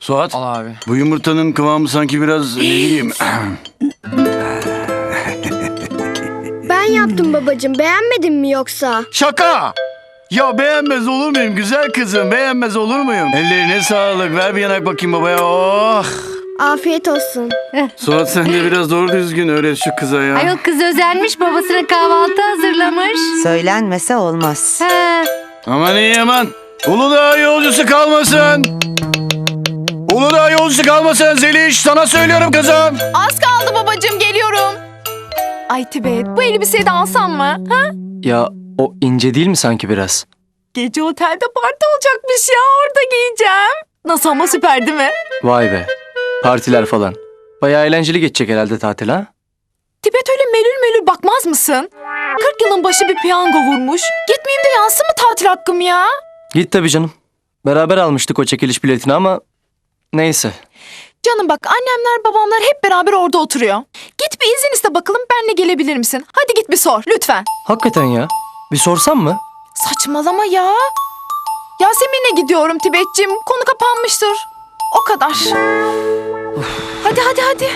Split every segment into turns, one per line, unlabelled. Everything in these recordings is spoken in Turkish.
Suat,
Al abi.
bu yumurtanın kıvamı sanki biraz ne bileyim.
Ben yaptım babacığım. Beğenmedin mi yoksa?
Şaka! Ya beğenmez olur muyum güzel kızım? Beğenmez olur muyum? Ellerine sağlık. Ver bir yanak bakayım babaya. Oh!
Afiyet olsun.
Suat sen de biraz doğru düzgün öğret şu kıza ya.
Ayol kız özenmiş, babasına kahvaltı hazırlamış.
Söylenmese olmaz.
He.
Aman iyi aman. Uludağ yolcusu kalmasın. Uludağ yolcusu kalmasın Zeliş. Sana söylüyorum kızım.
Az kaldı babacığım, geliyorum. Ay Tibet, bu elbiseyi de alsam mı? Ha?
Ya o ince değil mi sanki biraz?
Gece otelde parti olacakmış ya, orada giyeceğim. Nasıl ama, süper değil mi?
Vay be. Partiler falan. Bayağı eğlenceli geçecek herhalde tatil ha?
Tibet öyle melül melül bakmaz mısın? 40 yılın başı bir piyango vurmuş. Gitmeyeyim de yansın mı tatil hakkım ya?
Git tabii canım. Beraber almıştık o çekiliş biletini ama neyse.
Canım bak, annemler babamlar hep beraber orada oturuyor. Git bir izin iste bakalım, benle gelebilir misin? Hadi git bir sor lütfen.
Hakikaten ya. Bir sorsam mı?
Saçmalama ya. Yasemin'le gidiyorum Tibet'cim. Konu kapanmıştır. O kadar. Hadi.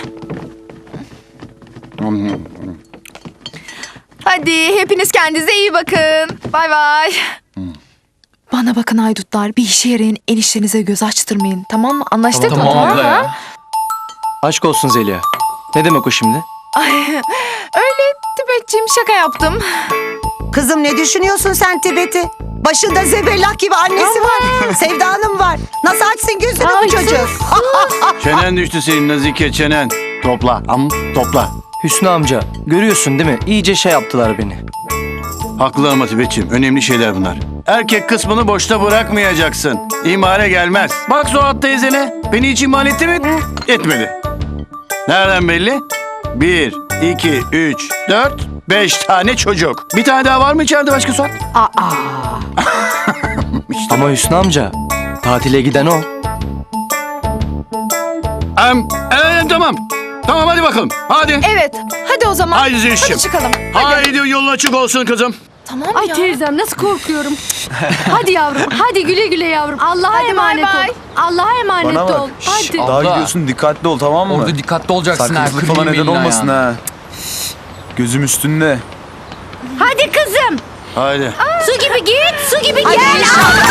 Hadi hepiniz kendinize iyi bakın. Bay bay. Bana bakın haydutlar, bir işe yarayın, eniştenize göz açtırmayın. Tamam mı? Anlaştık mı?
Tamam abla
mı?
ya. Aşk olsun Zeliha. Ne demek o şimdi?
Ay, öyle Tibet'cim, şaka yaptım.
Kızım ne düşünüyorsun sen Tibet'i? Başında zebellak gibi annesi var. Sevda Hanım var. Nasıl açsın gözünü bu çocuk?
Çenen düştü senin Nazike çenen. Topla topla.
Hüsnü amca görüyorsun değil mi? İyice şey yaptılar beni.
Haklı ama Tibet'ciğim. Önemli şeyler bunlar. Erkek kısmını boşta bırakmayacaksın. İhmale gelmez. Bak Suat teyzene. Beni hiç ihmal etti mi? Etmedi. Nereden belli? 1, 2, 3, 4, 5 tane çocuk. Bir tane daha var mı içeride başka Suat?
Ama Hüsnü amca tatile giden o.
Tamam. Tamam hadi bakalım. Hadi.
Evet, hadi o zaman.
Haydi Zülüş'cüğüm.
Hadi çıkalım.
Haydi yolun açık olsun kızım.
Tamam
Ay
ya.
teyzem nasıl korkuyorum. Hadi yavrum, hadi güle güle yavrum. Allah'a
Hadi
emanet
bay bay.
ol. Allah'a emanet
Bana bak.
ol. Hadi.
Daha
Abla.
gidiyorsun dikkatli ol tamam mı?
Orada dikkatli olacaksın ha.
Sakızlık falan neden olmasın ha. Gözüm üstünde.
Hadi kızım.
Haydi.
Su gibi git, su gibi gel.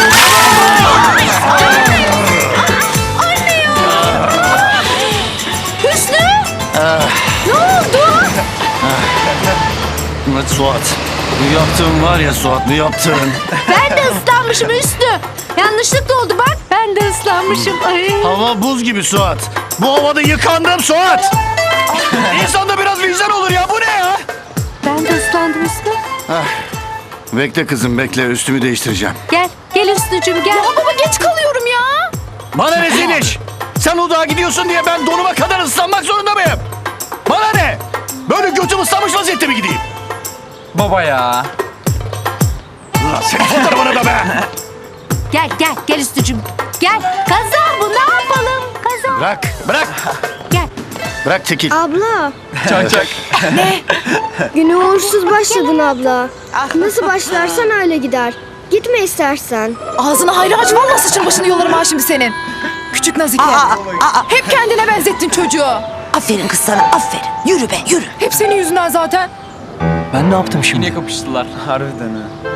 Hüsnü. Ne oldu?
Suat. Bu yaptığın var ya Suat bu yaptığın.
Ben de ıslanmışım Hüsnü. Yanlışlıkla oldu bak. Ben de ıslanmışım. Ay.
Hava buz gibi Suat. Bu havada yıkandım Suat. İnsanda biraz vicdan olur ya bu ne ya?
Ben de ıslandım Hüsnü.
Bekle kızım bekle üstümü değiştireceğim.
Gel, gel Hüsnücüğüm gel.
Ya baba, geç kalıyorum ya.
Bana ne Zeliş? Sen Uludağ'a gidiyorsun diye ben donuma kadar ıslanmak zorunda mıyım? Bana ne? Böyle götüm ıslanmış vaziyette mi gideyim?
Baba ya.
Ulan senin fotoğrafını da be!
Gel Hüsnücüğüm. Gel. Kaza bu, ne yapalım? Kaza.
Bırak.
Gel.
Bırak çekil.
Abla,
Çak.
güne uğursuz başladın abla. Nasıl başlarsan öyle gider. Gitme istersen.
Ağzını hayra aç, vallahi saçın başını yolarım ha şimdi senin. Küçük Nazike. Hep kendine benzettin çocuğu.
Aferin kız sana aferin. Yürü be yürü.
Hep senin yüzünden zaten.
Ben ne yaptım şimdi?
Yine kapıştılar.
Harbiden ha.